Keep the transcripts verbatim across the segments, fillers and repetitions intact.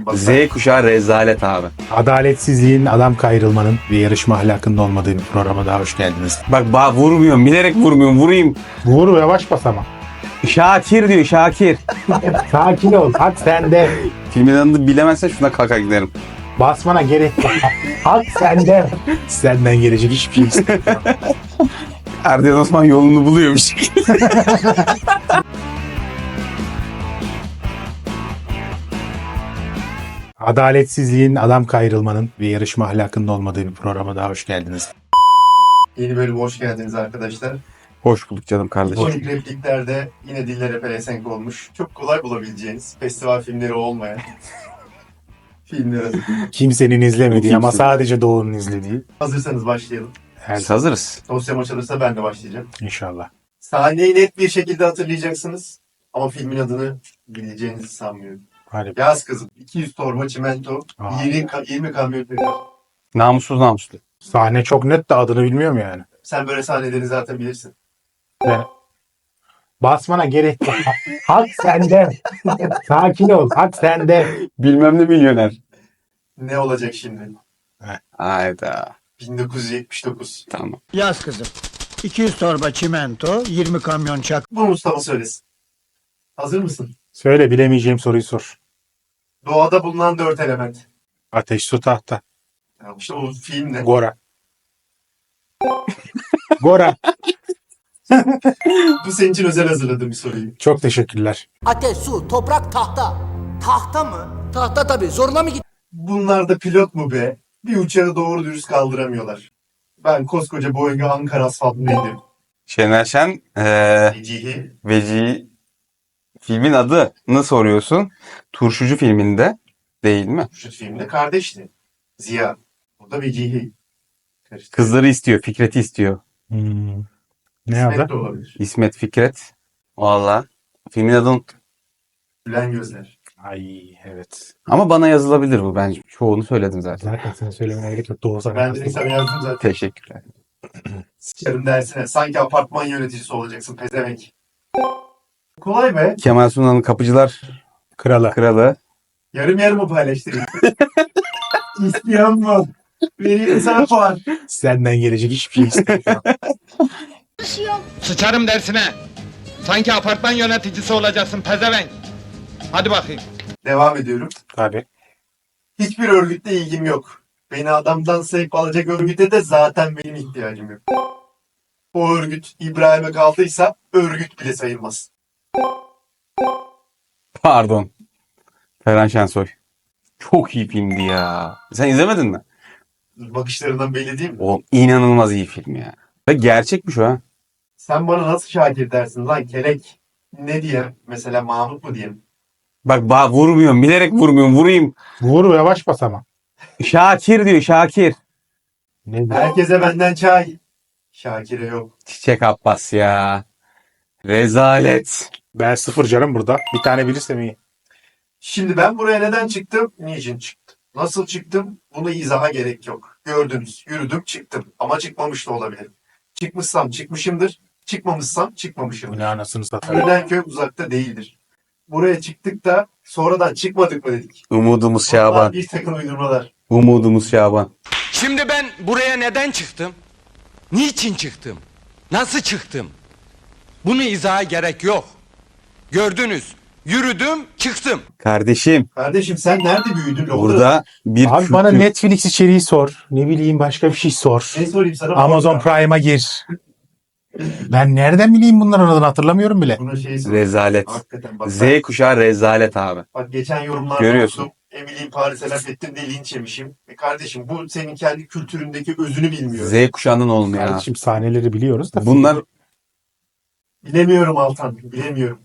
hakikaten bak. Z kuşağı rezalet abi. Adaletsizliğin, adam kayrılmanın ve yarışma ahlakının olmadığı bir programa daha hoş geldiniz. Bak ba vurmuyorum. Bilerek vurmuyorum. Vurayım. Vur, yavaş bas ama. Şakir diyor Şakir. Sakin ol. Hak sende. Filmin adını bilemezsen şuna kalkar giderim. Basmana gerek yok. Hak sende. Senden gelecek hiçbir şey istemiyorum. Erdoğan Osman yolunu buluyormuş. Adaletsizliğin, adam kayrılmanın ve yarışma ahlakının olmadığı bir programa daha hoş geldiniz. Yeni bölüme hoş geldiniz arkadaşlar. Hoş bulduk canım kardeşim. Komik repliklerde yine dillere pelesenk olmuş. Çok kolay bulabileceğiniz, festival filmleri olmayan filmler hazırladım. Kimsenin izlemediği ama Kimse. sadece Doğu'nun izlediği. Hazırsanız başlayalım. Her Biz hazırız. Dosyam açılırsa ben de başlayacağım. İnşallah. Sahneyi net bir şekilde hatırlayacaksınız. Ama filmin adını bileceğinizi sanmıyorum. Hadi. Yaz kızım. iki yüz torba çimento, Aa. yirmi, ka- yirmi kamyon peynir. Namussuz namuslu. Sahne çok net de adını bilmiyorum yani. Sen böyle sahneleri zaten bilirsin. Ve basmana gerek yok. Hak sende. Sakin ol. Hak sende. Bilmem ne milyoner. Ne olacak şimdi? Hayda. bin dokuz yüz yetmiş dokuz. Tamam. Yaz kızım. iki yüz torba çimento, yirmi kamyon çak. Bu Mustafa söylesin. Hazır mısın? Söyle, bilemeyeceğim soruyu sor. Doğada bulunan dört element. Ateş, su, tahta. Ya işte o film ne? Gora. Gora. Bu senin için özel hazırladığım bir soruyu. Çok teşekkürler. Ateş, su, toprak, tahta. Tahta mı? Tahta tabii. Zoruna mı gitti? Bunlar da pilot mu be? Bir uçağı doğru dürüst kaldıramıyorlar. Ben koskoca Boeing'e Ankara asfaltına indim. Şener Şen eee Vecihi. Veci filmin adını soruyorsun. Turşucu filminde değil mi? Şu filmde kardeşti. Ziya. Burada Vecihi. Karıştı. Kızları istiyor. Fikret'i istiyor. Hmm. Ne İsmet adı? de olabilir. İsmet Fikret. Valla. Filmin adını unuttum. Gülen gözler. Ay evet. Ama bana yazılabilir bu. Ben çoğunu söyledim zaten. Zaten sen söylemene gerek yok. Doğu sana. Ben de sana yazdım zaten. Teşekkürler. Sıçarım dersine. Sanki apartman yöneticisi olacaksın pezevenk. Kolay be. Kemal Sunal'ın Kapıcılar Kralı. Kralı. Yarım yarımı paylaştırayım. İsteyen mi? Vereyim sana puan. Senden gelecek hiçbir şey istemiyorum. Sıçarım dersine. Sanki apartman yöneticisi olacaksın pezevenk. Hadi bakayım. Devam ediyorum. Tabii. Hiçbir örgütle ilgim yok. Beni adamdan sevk alacak örgüte de zaten benim ihtiyacım yok. O örgüt İbrahim'e kaldıysa örgüt bile sayılmaz. Pardon. Ferhan Şensoy. Çok iyi filmdi ya. Sen izlemedin mi? Bakışlarından belli değil mi? O inanılmaz iyi film ya. Ve gerçekmiş o ha. Sen bana nasıl Şakir dersin lan kelek? Ne diyeyim? Mesela Mahmut mu diyeyim? Bak ba vurmuyorum. Bilerek vurmuyorum. Vurayım. Vur, yavaş bas ama. Şakir diyor Şakir. Ne bu? Herkese benden çay. Şakir'e yok. Çiçek Abbas ya. Rezalet. Ben sıfır canım burada. Bir tane bilirsem iyi. Şimdi ben buraya neden çıktım? Niçin çıktım? Nasıl çıktım? Bunu izaha gerek yok. Gördünüz. Yürüdüm çıktım. Ama çıkmamış da olabilirim. Çıkmışsam çıkmışımdır. Çıkmamışsam Bu çıkmamışımdır. ne anasını satayım. Görünen köy uzakta değildir. Buraya çıktık da sonradan çıkmadık mı dedik. Umudumuz Bunlar Şaban. bir takım uydurmalar. Umudumuz Şaban. Şimdi ben buraya neden çıktım? Niçin çıktım? Nasıl çıktım? Bunu izaha gerek yok. Gördünüz. Yürüdüm, çıktım. Kardeşim Kardeşim sen nerede büyüdün? Orada- burada bir Abi kültür- bana Netflix içeriği sor. Ne bileyim başka bir şey sor. Ne sorayım sana? Amazon Orada. Prime'a gir. Ben nereden bileyim bunların adını hatırlamıyorum bile. Buna şey sor. Rezalet. Hakikaten bak. Z ben- kuşağı rezalet abi. Bak geçen yorumlarda Görüyorsun. okudum. Emily'yi Paris'e laf ettim diye linç yemişim. E kardeşim bu senin kendi kültüründeki özünü bilmiyor. Z kuşağının olmuyor. Kardeşim sahneleri biliyoruz da. Bunlar Bilemiyorum Altan. Bilemiyorum.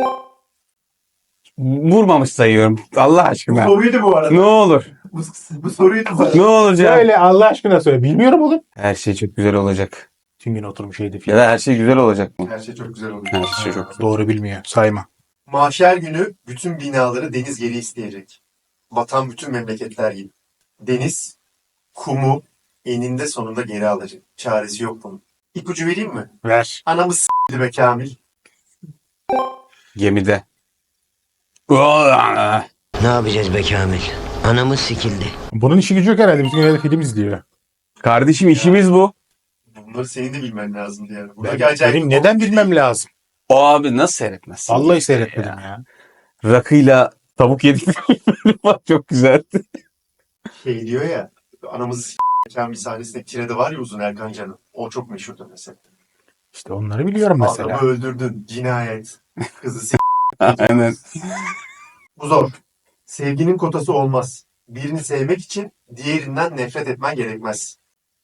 vurmamış sayıyorum. Allah Bu aşkına. soruydu bu arada. Ne olur. Bu, bu soruydu bu arada. Ne olacak? Söyle Allah aşkına söyle. Bilmiyorum oğlum. Her şey çok güzel olacak. Tüm gün oturmuş şeydi Ya film. da her şey güzel olacak mı? Her şey çok güzel oldu. Her şey çok güzel. Doğru bilmiyor. Sayma. Mahşer günü bütün binaları deniz geri isteyecek. Vatan bütün memleketler gibi. Deniz, kumu eninde sonunda geri alacak. Çaresi yok bunun. İpucu vereyim mi? Ver. Anamı s***di be Kamil. Gemide. Ne yapacağız be Kamil? Anamız sikildi. Bunun işi gücü yok herhalde. Bütün gün film izliyor. Kardeşim işimiz bu. Bunları senin de bilmen lazımdı yani. Ben, Buradaki acayip benim bir neden konu bilmem değil. lazım? O abi nasıl seyretmezsin? Vallahi seyretmedim ya. Rakıyla tavuk yedik. Bak çok güzeldi. Şey diyor ya, anamızı s**ken bir sahnesinde tirede var ya Uzun Erkan Can'ın. O çok meşhurdur mesela. İşte onları biliyorum mesela. Adamı öldürdün, cinayet. Kızı s**. Aynen. Bu zor. Sevginin kotası olmaz. Birini sevmek için diğerinden nefret etmen gerekmez.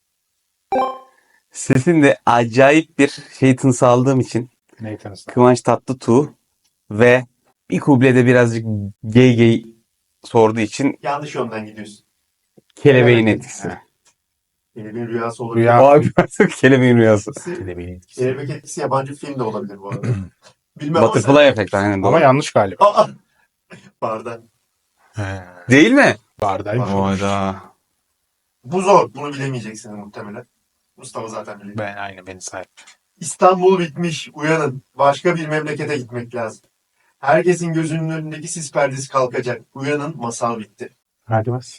Sesinde acayip bir şey tınısı aldığım için Nathan Stark. Kıvanç Tatlıtuğ ve bir kublede birazcık gay gay sorduğu için Yanlış yönden gidiyorsun. kelebeğin Evet. etkisi. Kelebeğin rüyası olabilir. Rüya. Abi artık kelebeğin rüyası. Kelebeğin etkisi. Kelebek etkisi yabancı film de olabilir bu arada. Bilmem ama sen- Butterfly efekt aynen doğru. Ama yanlış galiba. Aa! Barda. He, Değil mi? bardaymış. Oyda. Bu zor. Bunu bilemeyeceksiniz muhtemelen. Mustafa zaten biliyor. Ben aynı beni sahip. İstanbul bitmiş. Uyanın. Başka bir memlekete gitmek lazım. Herkesin gözünün önündeki sis perdesi kalkacak. Uyanın. Masal bitti. Hadi bas.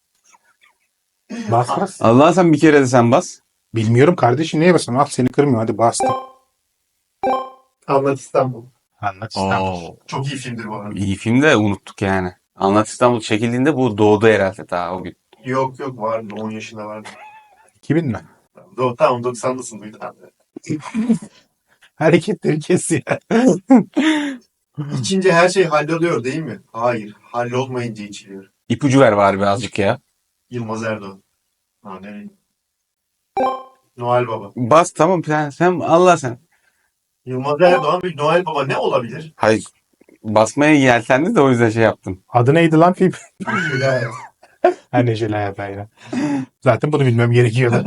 Bas bas. Allah sen bir kere de sen bas. Bilmiyorum kardeşim neye basayım? Al seni kırmıyor. Hadi bastım. Anlat İstanbul. Anlat İstanbul. Çok iyi filmdir bu arada. İyi film de unuttuk yani. Anlat İstanbul çekildiğinde bu doğdu herhalde daha o gün. Yok yok vardı. on yaşında vardı. iki bin mi? Do tamam doksanlısın duydun abi. Hareketleri kes ya. İçince her şey halloluyor değil mi? Hayır. Hallolmayınca içiliyor. İpucu ver var birazcık ya. Yılmaz Erdoğan. Ha nereye? Noel Baba. Bas tamam sen, sen Allah sen. Yılmaz Erdoğan ve Noel Baba ne olabilir? Hayır basmaya yeltendi de o yüzden şey yaptım. Adı neydi lan film? Şöyle Ha Neşeli Hayat aynen. Zaten bunu bilmem gerekiyordu.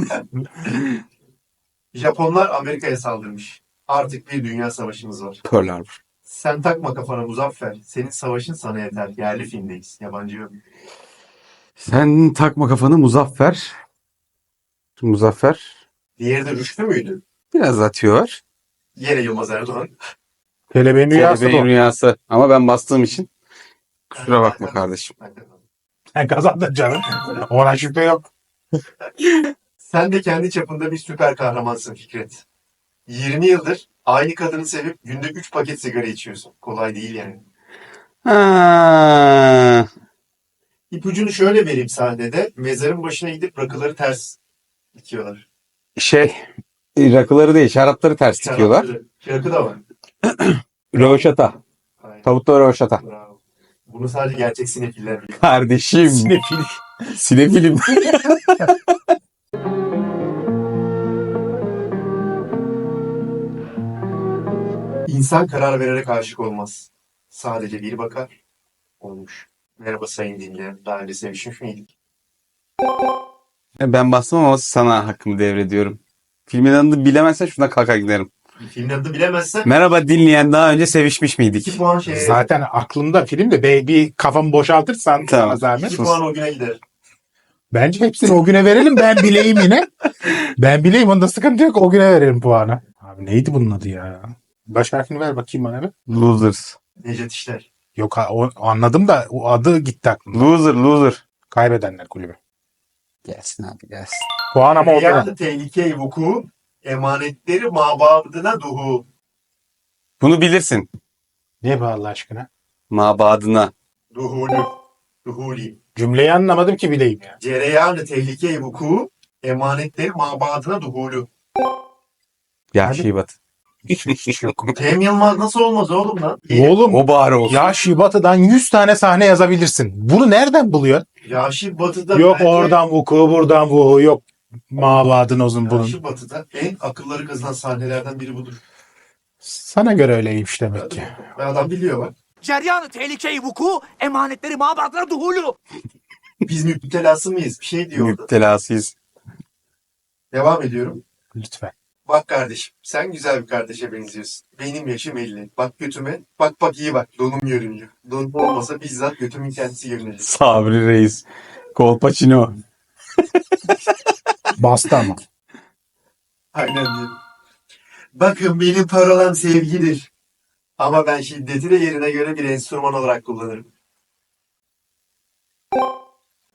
Japonlar Amerika'ya saldırmış. Artık bir dünya savaşımız var. Pearl Harbor. Sen takma kafana Muzaffer. Senin savaşın sana yeter. Yerli filmdeyiz. Yabancı yok. Sen takma kafanı Muzaffer. Muzaffer. Diğeri de Rüştü müydü? Biraz atıyor. Yine Yılmaz Erdoğan. Kelebeğin rüyası Kelebeğin bu. rüyası. Ama ben bastığım için kusura bakma kardeşim. Sen kazandın canım. Ona şüphe yok. Sen de kendi çapında bir süper kahramansın Fikret. yirmi yıldır aynı kadını sevip günde üç paket sigara içiyorsun. Kolay değil yani. Ha. İpucunu şöyle vereyim sahnede. Mezarın başına gidip rakıları ters dikiyorlar. Şey rakıları değil şarapları ters dikiyorlar. Şarapları. Rakı da var. Röveşata. Aynen. Tavuklu röveşata. Bravo. Bunu sadece gerçek sinefiller biliyor. Kardeşim. Sinefil. Sinefilim. İnsan karar vererek aşık olmaz. Sadece bir bakar. Olmuş. Merhaba sayın dinleyen. Daha önce sevişmiş miydik? Ben bastım ama sana hakkımı devrediyorum. Filmin adını bilemezsen şuna kalkar giderim. Bir filmin adını bilemezsen Merhaba dinleyen daha önce sevişmiş iki miydik? puan şeye. Zaten aklımda film de be- bir kafamı boşaltırsan Tamam. sana zahmet. iki puan o güne gider. Bence hepsini o güne verelim ben bileyim yine. Ben bileyim onda sıkıntı yok o güne verelim puanı. Abi neydi bunun adı ya? Baş harfini ver bakayım bana bir. Losers. Necdet İşler. Yok ha, o, anladım da o adı gitti aklımda. Loser, loser. Kaybedenler kulübü. Gelsin abi gelsin. Puan ama o güne. Rüyada tehlike vuku, emanetleri mabadına duhu. Bunu bilirsin. Ne bu Allah aşkına? Mabadına. Duhulu. Duhuli. Cümleyi anlamadım ki bileyim ya. Cereyanı tehlike vuku, emanetleri mabadına duhulu. Ya Hadi. Şibat. Hiç, hiç yok. Cem Yılmaz nasıl olmaz oğlum lan? Oğlum O bari olsun. ya Şibatı'dan yüz tane sahne yazabilirsin. Bunu nereden buluyor? Yaşı Batı'da Yok bence- oradan vuku buradan vuku yok. Mabadın uzun bunun. Yaşı Batı'da en akılları kazınan sahnelerden biri budur. Sana göre öyleymiş demek ki. Ve adam biliyor bak. Ceryanı tehlikeyi vuku, emanetleri mabadına duhulu. Biz müptelası mıyız? Bir şey diyor orada. Müptelasıyız. Devam ediyorum. Lütfen. Bak kardeşim sen güzel bir kardeşe benziyorsun. Benim yaşım elli. Bak götüme. Bak bak iyi bak. Donum görünüyor. Donum olmasa bizzat götümün kendisi görünecek. Sabri Reis. Kolpaçino. Bastı ama. Aynen diyorum. Bakın benim parolam sevgidir. Ama ben şiddeti de yerine göre bir enstrüman olarak kullanırım.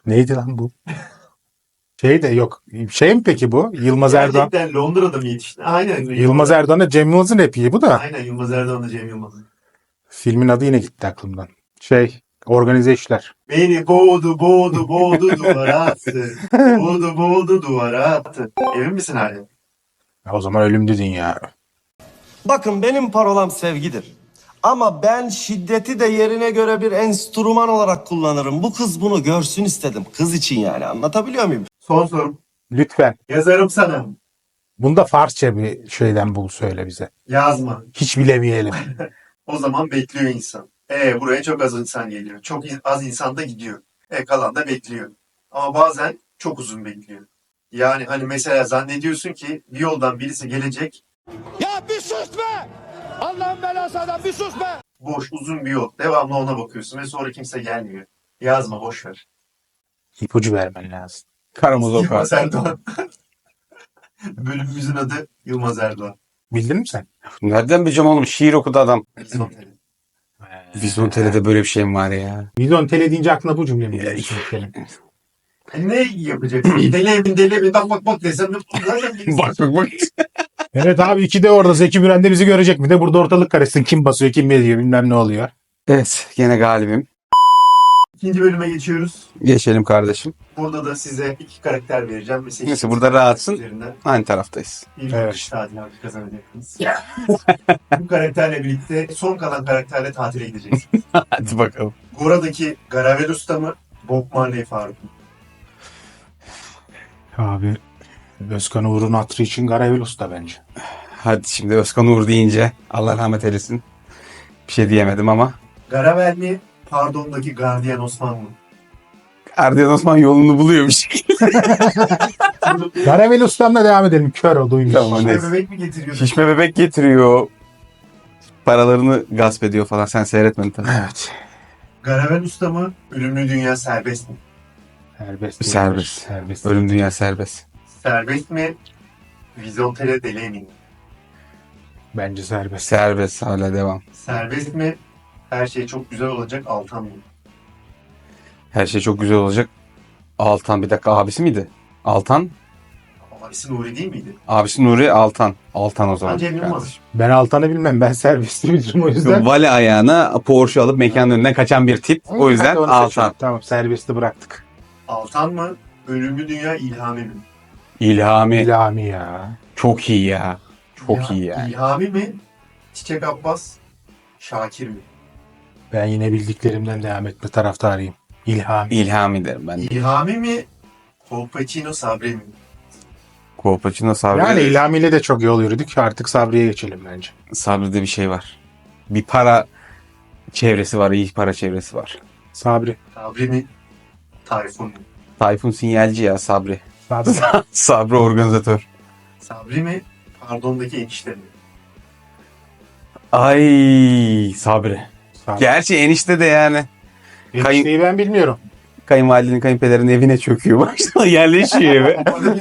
Neydi lan bu? Şey de yok. Şey mi peki bu? Yılmaz Erdoğan. Gerçekten Londra'da mı yetişti? Aynen. Yılmaz Erdoğan'la Cem Yılmaz'ın repliği bu da. Aynen Yılmaz Erdoğan'la Cem Yılmaz. Filmin adı yine gitti aklımdan. Şey, organize işler. Beni boğdu boğdu boğdu duvara attı. Boğdu boğdu duvara attı. Emin misin hala? Ya o zaman ölüm dedin ya. Bakın benim parolam sevgidir. Ama ben şiddeti de yerine göre bir enstrüman olarak kullanırım. Bu kız bunu görsün istedim. Kız için yani. Anlatabiliyor muyum? Son sorum. Lütfen. Yazarım sana. Bunda Farsça bir şeyden bul söyle bize. Yazma. Hiç bilemeyelim. O zaman bekliyor insan. E buraya çok az insan geliyor. Çok in- az insan da gidiyor. E kalan da bekliyor. Ama bazen çok uzun bekliyor. Yani hani mesela zannediyorsun ki bir yoldan birisi gelecek. Ya bir sus be! Allah'ın belası adam bir sus be! Boş uzun bir yol. Devamlı ona bakıyorsun ve sonra kimse gelmiyor. Yazma boş ver. İpucu vermen lazım. Karamazov Yılmaz katil. Erdoğan. Bölümümüzün adı Yılmaz Erdoğan. Bildin mi sen? Nereden bileceğim oğlum? Şiir okudu adam. Vizontele. Vizontele'de böyle bir şey mi var ya? Vizyon tele deyince aklına bu cümle mi geliyor? Senin? E ne yapacaksın? Deli emin deli emin bak bak bak desem. bak bak bak. Evet abi iki de orada. Zeki Müren de bizi görecek mi de burada ortalık karışsın. Kim basıyor kim ediyor bilmem ne oluyor. Evet, gene galibim. İkinci bölüme geçiyoruz. Geçelim kardeşim. Burada da size iki karakter vereceğim. Ve seçtiğiniz Neyse, burada rahatsın. karakterlerinden Aynı taraftayız. Bir Evet. kış tatili hakkı kazanacaksınız. Bu karakterle birlikte son kalan karakterle tatile gideceksiniz. Hadi bakalım. Gora'daki Garavel Usta mı? Bob Marley Faruk mu? Abi Özkan Uğur'un hatırı için Garavel Usta bence. Hadi şimdi Özkan Uğur deyince Allah rahmet eylesin. Bir şey diyemedim ama. Garavel mi? Pardon'daki Gardiyan Osman mı? Erdoğan Osman yolunu buluyor bir şekilde. Garavel Usta'mla devam edelim. Kör o duymuş. Tamam. Şişme neyse. bebek mi getiriyor? Şişme bebek getiriyor. Paralarını gasp ediyor falan. Sen seyretmedin tabii. Evet. Garavel Usta mı? Ölümlü Dünya Serbest mi? Serbest. Serbest. Serbest. Ölüm dünya serbest. Serbest mi? Vizontele deli emin mi? Bence serbest. Serbest hala devam. Serbest mi? Her şey çok güzel olacak Altan mı? Her şey çok güzel olacak. Altan bir dakika abisi miydi? Altan. Abisi Nuri değil miydi? Abisi Nuri Altan. Altan o zaman. Bence Cem Yılmaz. kardeşim. Ben Altan'ı bilmem. Ben serbesti bilirim o yüzden. Vale ayağına Porsche alıp mekanın önünden kaçan bir tip. O yüzden Hadi onu Altan. seçelim. Tamam serbesti bıraktık. Altan mı? Ölümlü Dünya İlhami mi? İlhami. İlhami ya. Çok iyi ya. Çok iyi yani. İlhami mi? Çiçek Abbas, Şakir mi? Ben yine bildiklerimden devam etme taraftarıyım. İlhami. İlhami derim ben. İlhami mi? Kolpaçino Sabri mi? Kolpaçino Sabri. Yani İlhami ile de çok yol yürüdük. Artık Sabri'ye geçelim bence. Sabri'de bir şey var. Bir para çevresi var. İyi para çevresi var. Sabri. Sabri mi? Tayfun mu? Tayfun sinyalci ya Sabri. Sabri. Sabri organizatör. Sabri mi? Pardon'daki enişte mi? Ay Sabri. Sabri. Gerçi enişte de yani. Kayın, Enişteyi ben bilmiyorum. kayınvalidenin kayınpederin evine çöküyor. Başta yerleşiyor eve.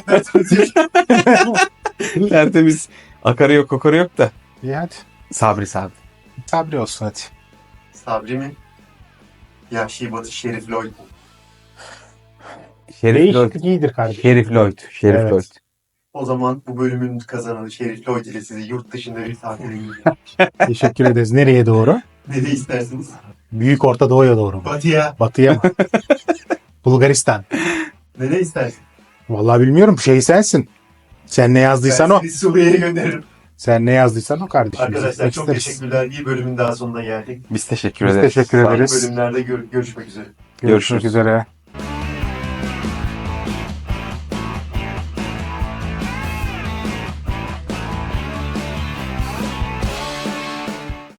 Tertemiz. Akarı yok kokarı yok da. İyi hadi. Sabri Sabri. Sabri olsun hadi. Sabri mi? Yahşi Batı Şerif Lloyd mu? Şerif Lloyd. Değişiklik iyidir kardeşim. Şerif Lloyd. Şerif Evet. Lloyd. O zaman bu bölümün kazananı Şerif Lloyd ile sizi yurt dışında bir tatile gidiyor. Teşekkür ederiz. Nereye doğru? Ne de istersiniz? Büyük Orta Doğu'ya doğru mu? Batı'ya. Batı'ya mı? Bulgaristan. Ne de istersin? Vallahi bilmiyorum. Şey sensin. Sen ne yazdıysan Ben o. seni Suriye'ye gönderirim. Sen ne yazdıysan o kardeşim. Biz Arkadaşlar gitmek çok isteriz. teşekkürler. Bir bölümün daha sonuna geldik. Biz teşekkür Biz ederiz. teşekkür Farklı ederiz. bölümlerde gör- görüşmek üzere. Görüşmek üzere.